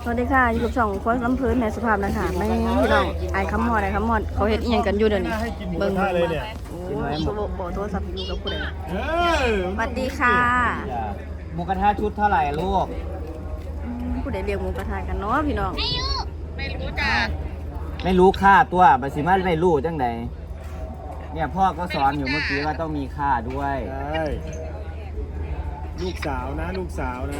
วัสดีค่ะอยู่กับช่องโค้ชลำเพลินในสุภาพนะคะไม่พี่น้องไอ้คำมอดเขาเฮ็ดอีหยังกันอยู่เดี๋ยวนี้เบิ่งเลยเนี่ยโอ้ยโทรศัพท์อยู่กับผู้ใดสวัสดีค่ะหมูกระทะชุดเท่าไหร่ลูกผู้ใดเรียกหมูกระทะกันเนาะพี่น้องไม่รู้จ้ะไม่รู้ค่าตัวบัดสิมาไม่รู้จังใดเนี่ยพ่อก็สอนอยู่เมื่อกี้ว่าต้องมีค่าด้วยใช่ลูกสาวนะลูกสาวนะ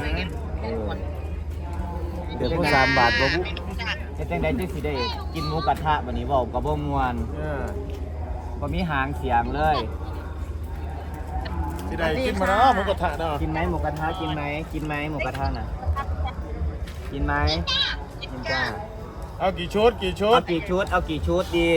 เดี๋ยวก็3 บาทบ่ปุ๊จะจังใดจังสิได้กินหมูกระทะบัดนี้เว้ากับบ่ม่วนบ่มีหางเสียงเลยสิได้กินมาเนาะหมูกระทะเนาะกินไหมหมูกระทะกินไหมหมูกระทะน่ะกินไหมกินจ้าเอากี่ชุดเอากี่ชุดดี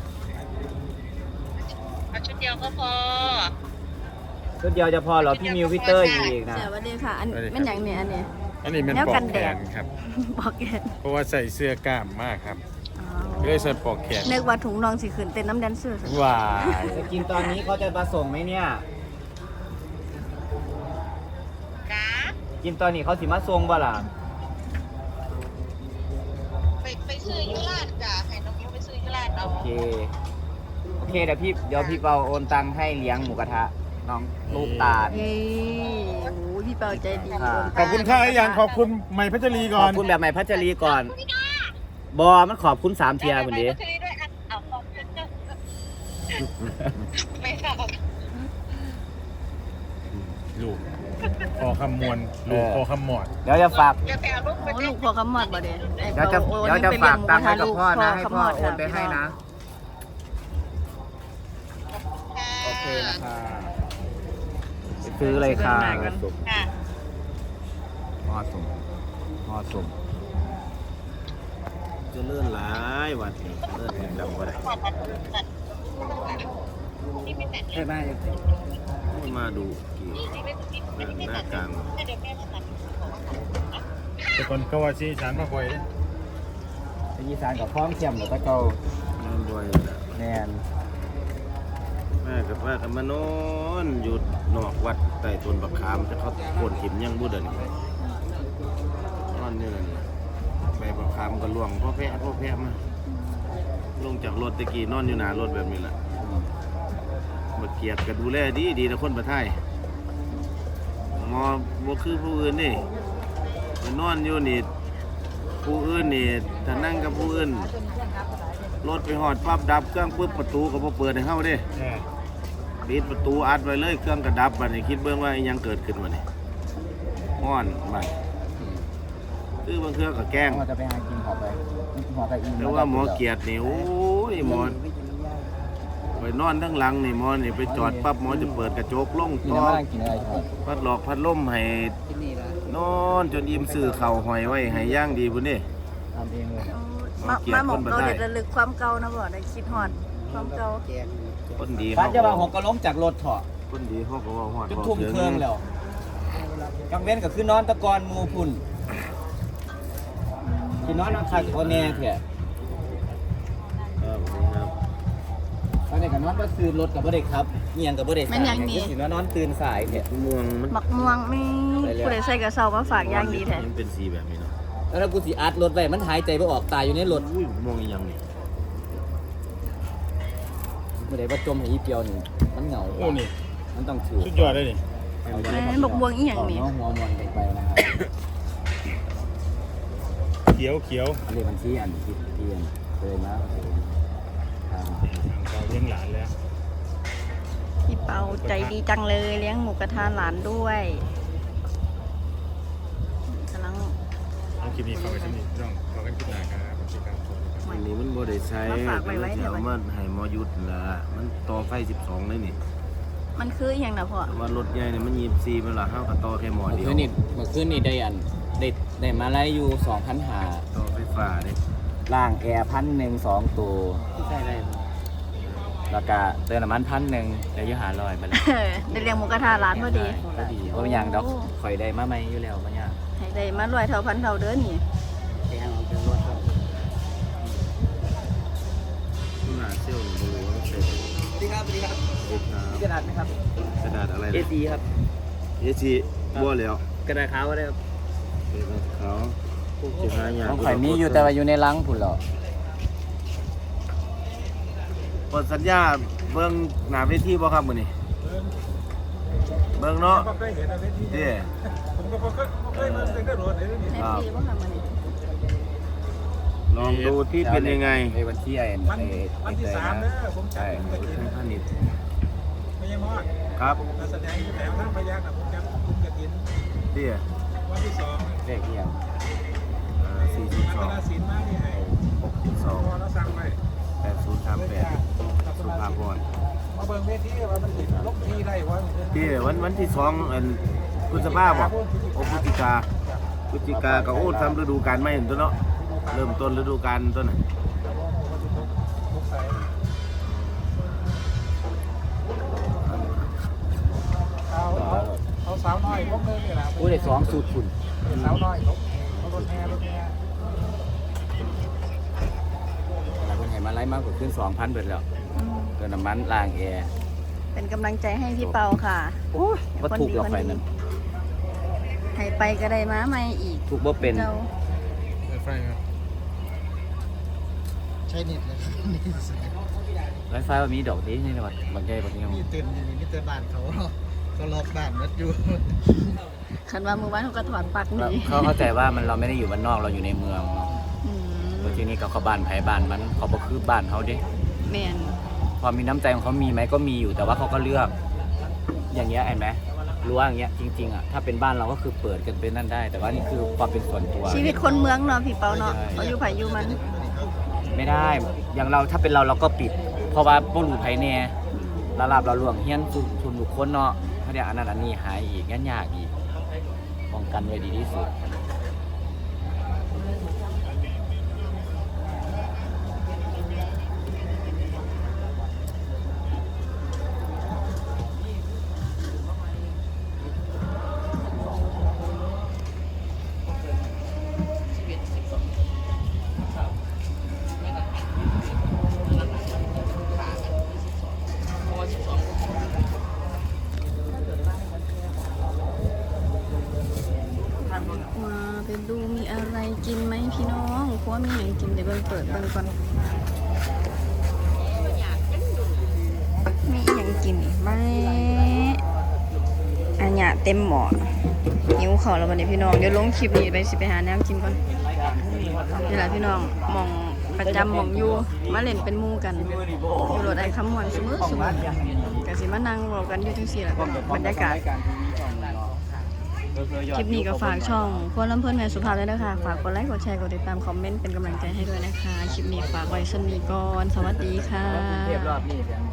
เอาชุดเดียวก็พอชุดเดียวจะพอเหรอพี่มิวพี่เตอร์อีกนะสวัสดีค่ะอันเป็นอย่างเนี่ยอันนี้มันปอกแขนครับปอกแขนเพราะว่าใส่เสื้อกล้ามมากครับก็เลยใส่ปอกแขนนึกว่าถุงนองสิขึ้นเต้นน้ำแดนเซอร์ว้าจะกินตอนนี้เขาจะมาส่งไหมเนี่ยกินตอนนี้เขาสิมาส่งบ่ล่ะไปซื้อยุราชจ้ะให้น้องมิ้วไปซื้อยุราชเอาโอเคเดี๋ยวพี่เปาโอนตังค์ให้เลี้ยงหมูกระทะน้องลูกตาลโอ้พี่เปาใจดีขอบคุณค่ะอย่างขอบคุณใหม่พัชรีก่อนขอบคุณแบบใหม่พัชรีก่อนบอมันขอบคุณ3 เทียคนนี้ไม่ชอบลูกพอคำมวลลูกพอคำหมอดเดี๋ยวจะฝากลูกพอคำหมอดบ่เด้เดี๋ยวจะฝากตังค์ให้กับพ่อนะให้พ่อโอนไปให้นะโอเคนะคะซื้อเลยค่ะหม้อสุ่มจะเลื่อนหลายวันนี้เลื่อนจำก็ได้ใช่ไหมมาดูกี่หน้ากลางแต่คนก็ว่าซีฉันมาบ่อยเลยอีสานกับพร้อมเทียมหรือตะเกาบ่อยแนนแม่กับว่ากันมานอนอยู่นอกวัดใต้ต้นบักขามจะเขาโค่นหิมยังบุเดินนอนนี่เลยใบบักขามก็ล่วงพ่อแพะมาลงจากรถตะกี้นอนอยู่หน้ารถแบบนี้แหละมาเกียดก็ดูแลดีนะคนประเทศมอบ่คือผู้อื่นนี่มานอนอยู่นี่ผู้อื่นนี่ถ้านั่งกับผู้อื่นรถไปหอดปั๊บดับเครื่องปุ๊บประตูก็บ่เปิดให้เข้าเด้ปิดประตูอัดไว้เลยเครื่องกระดับบัดนี้คิดเบิ่งว่ายังเกิดขึ้นวะนี่ฮ้อนบัดคือบางเครื่องก็แกล้งจะไปหากินหอไปอีกแต่ว่าหมอเกียรตินี่โอ้ยหมอไปนอนทั้งหลังนี่หมอนี่ไปจอดปั๊บหมอจะเปิดกระจกลงต่อพัดหลอกพัดลมให้นอนจนอิ่มซื้อเข่าหอยไว้ให้ย่างดีพุ่นนี่ทำเองเลยมาหมองเราเด็ดระลึกความเก่านะบ่ได้คิดฮอดความเก่าคนดีเขาจะว่าหกกระล้มจากรถเถาะคนดีเขาก็ว่าฮอดจุดทุ่มเครื่องแล้วกังเว้นก็คือนอนตะกอนมูพุ่นที่นอนคาโอเน่เถอะตอนนี้ก็นอนก็ซื้อรถกับบ่ได้ครับเงียงกับบ่ได้สายสินอนตื่นสายเถอะม่วงมักม่วงมีผู้ใดใส่กระเซามาฝากอย่างดีแท้มันเป็นสีแบบนี้เนาะแล้วกูสิอัดรถไว้มันหายใจบ่ออกตายอยู่ในรถม่วงอีหยังนี่บ่ได้ว่าจมให้อีเปียวนี่มันเหงาโอ้นี่มันต้องถือสุดยอดเลยนี่บักบวงอีหยังนี่หัวมวนกันไปนะครับเขียวอันนี้บัญชีอันที่เคยนะเราเลี้ยงหลานแล้วพี่เปาใจดีจังเลยเลี้ยงหมูกระทะหลานด้วยกำลังคลิปนี้เข้าไปที่นี่ต้องขอกันคิดหนาครับวันนี้มันบ่ได้ใช้เอามาให้มอยุดละมันต่อไฟ12เลยนี่มันคืออย่างนะพ่อว่ารถใหญ่เนี่ยมัน24มันละเฮาก็ต่อแค่หมอเดียวเมื่อคืนนี่ได้มาไล่อยู่ 2,500 ต่อไฟฟ้าเด้ล่างแอร์1,100 2ตัวใช่ได้แล้วก็เติมน้ำมัน1,000ได้อยู่500ไปแล้วได้เลี้ยงหมูกระทะร้านพอดีเพราะอย่างดอกข่อยได้มาใหม่อยู่แล้วมันยากให้ได้มา100 เท่าพันเท่าเด้อนี่แกงเป็นรถครับหน้าเซี่ยวนี่บ่รู้ว่ามันเป็นสวัสดีครับกระดาษไหมครับกระดาษอะไร A4 ครับ A4 บ่แล้วกระดาษขาวก็ได้ครับกระดาษขาวสิหายากต้องข่อยมีอยู่แต่ว่าอยู่ในรังพุ่นเหรอเปิดสัญญาเบิ่งหน้าเวทีบ่ครับมื้อนี้เบิ่งเนาะเด้ผมก็เคยมาเป็นกระโดดเลยนี่แอปปี้บ่ค่ะมื้อนี้ลองดูที่เป็นยังไงในวันที่ไอ้วันที่3เด้อผมจัดผมจะกินท่านนี่ไม่ใช่มอดครับการแสดงที่แถวท่านพยักนะผมจะกินเด้วันที่2 เลขเอียงพัฒนา 42 ศิลป์มาที่ให้พอ 62 เราสั่งไว้ 8038สุภาพรมาเบิ่งเวทีว่ามันติดลบทีได้ว่าที่วันที่2อันพฤษภาคมบ่โอพฤศจิกาก็โอ้ทำฤดูกาลใหม่เห็นตัวเนาะเริ่มต้นฤดูกาลต้นน่ะเอาสาวน้อยพวกนึงนี่แหละอู้ได้2สูตรพุ่นสาวน้อยเขารถแห่แล้วเพิ่นให้มาไล่มากกว่าขึ้น 2,000เบิดแล้วอืมเติมน้ำมันล้างแอร์เป็นกำลังใจให้พี่เปาค่ะบ่ถูกหรอกไฟนั้นให้ไปก็ได้มาใหม่อีกถูกบ่เป็นเจ้าไฟครับใช้เน็ตเลยนี่ไวไฟว่ามีดอกดีในจังหวัดบางใหญ่บางยังมีเต็มอยู่มีแต่บ้านเขาล็อกบ้านนัดอยู่คันว่ามื้อวานเขาก็ถอดปลั๊กหนีเขาเข้าใจว่าเราไม่ได้อยู่บ้านนอกเราอยู่ในเมืองเนาะอืมแล้วทีนี้เขาบ้านไผบ้านมันเขาบ่คือบ้านเขาเด้แม่นความมีน้ำใจของเขามีไหมก็มีอยู่แต่ว่าเขาก็เลือก อย่างเงี้ยเห็นไหมรั้วอย่างเงี้ยจริงๆอ่ะถ้าเป็นบ้านเราก็คือเปิดกันเป็นนั่นได้ แต่ว่านี่คือความเป็นส่วนตัวชีวิตคนเมืองเนาะพี่เปาเนาะใช่เขาอยู่ไผอยู่มันไม่ได้ อย่างเราถ้าเป็นเราก็ปิด เพราะว่าบ่รู้ไผแน่ระลาบเราหลวงเฮียนชุมบุคคลเนาะถ้าเดี๋ยวอันนั้นอันนี้หายอีกงั้นยากอีกป้องกันไว้ดีที่สุดมาไปดูมีอะไรกินไหมพี่น้องเพราะว่ามีอย่างกินเดี๋ยวเบิ่งเปิดเบิ่งก่อนมีอย่างกินอีกไหมอันเนี้ยเต็มหม้อหิวข้าวแล้ววันนี้พี่น้องเดี๋ยวลงคลิปนี้ไปสิไปหาแนวกินก่อนนี่แหละพี่น้องหมองประจำหมองอยู่มาเล่นเป็นหมู่กันอยู่รถไอ้คำมวนซุมื้อก็สิมานั่งเว้ากันอยู่จังซี่แหละบรรยากาศ คลิปนี้ก็ฝากช่องพวกลำเพื่อนแม่สุภาพด้วยนะคะฝากกดไลค์กดแชร์กดติดตามคอมเมนต์เป็นกำลังใจให้ด้วยนะคะ คลิปนี้ฝากไว้สำหรับนี้ก่อน สวัสดีค่ะ